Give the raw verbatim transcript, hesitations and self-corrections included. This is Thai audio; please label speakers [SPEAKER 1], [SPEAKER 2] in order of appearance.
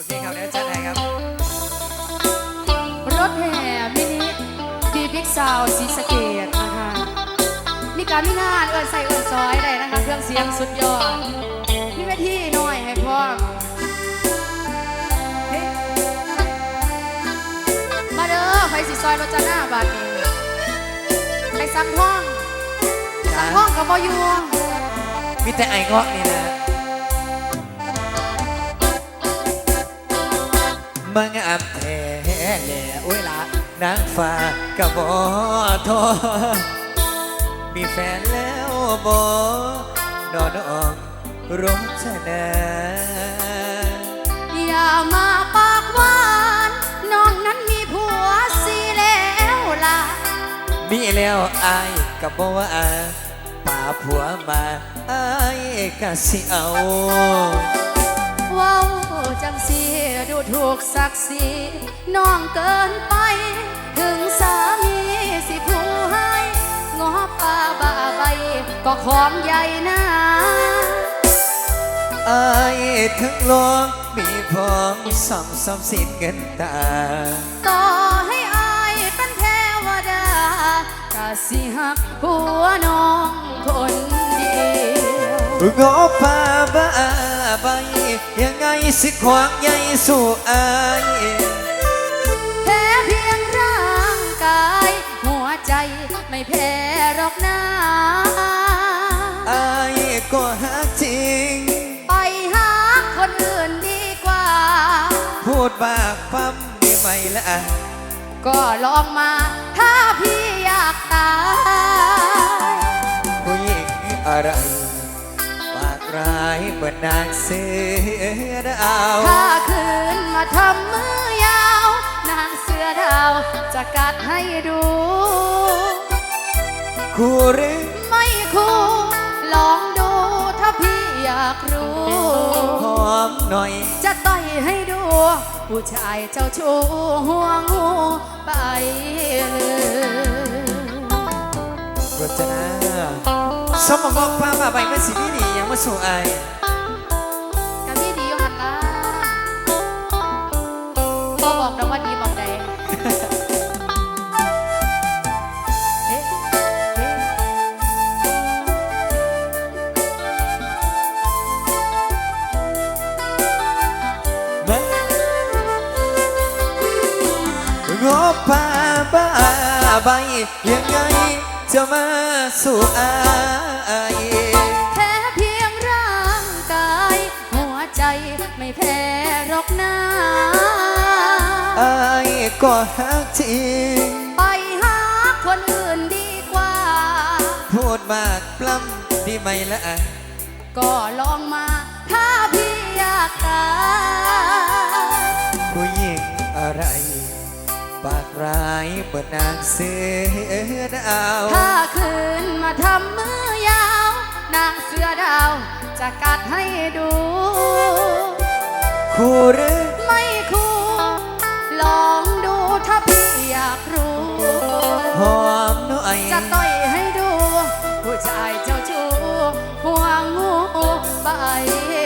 [SPEAKER 1] โอเคครับเดี๋ยวจัดให้ครับ
[SPEAKER 2] รถแห่มินิดีบิ๊กซาวสีสะเกตนะคะมีการมีงานเอิญใส่เอิญซอยได้นะคะเครื่องเสียงสุดยอดมีเวทีหน่อยให้พร้อมเฮ้มาเด้อไฟสีซอยรถจาหน้าบาทนี้ไปสั่งห้องสั่งห้องกับบ่อยู่
[SPEAKER 1] มีแต่ไอ้เงาะนี่นะมังอับแท้แหล่โอ้ยละนางฟ้ากับบอทอมีแฟนแล้วบอนอนออกรถชนะ
[SPEAKER 2] อย่ามาปากหวานน้องนั้นมีผัวสิแล้วล่ะ
[SPEAKER 1] มีแล้วอายกับบอกว่าป่าผัวมาอายก็สิเอา
[SPEAKER 2] ว้าวจังสีดูถูกศักดิ์ศรีน้องเกินไปถึงสามีสิผู้ให้งอป่าบ้าใบก็ของใหญ่นะ
[SPEAKER 1] อายถึงลวงมีพร้อมสอมสอมสินเงินตา
[SPEAKER 2] ต่อให้อายเป็นเทวดากะสิหักผัวน้องคนเดียว
[SPEAKER 1] งอป่าบ้าใบยังไงสิขวางใหญ่สู่อาย
[SPEAKER 2] แพ้เพียงร่างกายหัวใจไม่แพ้หรอกนะ
[SPEAKER 1] อายก็หักจริง
[SPEAKER 2] ไปหาคนอื่นดีกว่า
[SPEAKER 1] พูดบากปั๊มได้ไหมล่ะ
[SPEAKER 2] ก็ลองมาถ้าพี่อยากตาย
[SPEAKER 1] ผู้หญิงอะไรปากร้ายเหมือนนางเสือดาว
[SPEAKER 2] ถ้าคืนมาทำมือยาวนางเสือดาวจะกัดให้ดู
[SPEAKER 1] คู่หรือ
[SPEAKER 2] ไม่คู่ลองดูถ้าพี่อยากรู้
[SPEAKER 1] หอมหน่อย
[SPEAKER 2] จะต่อยให้ดูผู้ชายเจ้าชู้ห่วงหูไปเลย
[SPEAKER 1] รจนาสมองบอกป้ามาใบไม่สิพี่ดียังมาสู่ไอ
[SPEAKER 2] กับพี่ดีอยู่หันละพอบอกนะว่าดีบอกใด
[SPEAKER 1] งอป่าบ้าใบยังไงจะมาสู่อาย
[SPEAKER 2] แพ้เพียงร่างกายหัวใจไม่แพ้หรอกนะ
[SPEAKER 1] อายก็หักจริง
[SPEAKER 2] ไปหาคนอื่นดีกว่า
[SPEAKER 1] พูดมากปล้ำดีไหมล่ะ
[SPEAKER 2] ก็ลองมาถ้าพี่อยากตาย
[SPEAKER 1] ผู้หญิงอะไรปากร้ายเปิดนางเสือดาว
[SPEAKER 2] ถ้าคืนมาทำมือยาวนางเสือดาวจะกัดให้ดู
[SPEAKER 1] คู่หรือ
[SPEAKER 2] ไม่คู่ลองดูถ้าพี่อยากรู้
[SPEAKER 1] หอมหน่อย
[SPEAKER 2] จะต่อยให้ดูผู้ชายเจ้าชู้ห่วงงูไป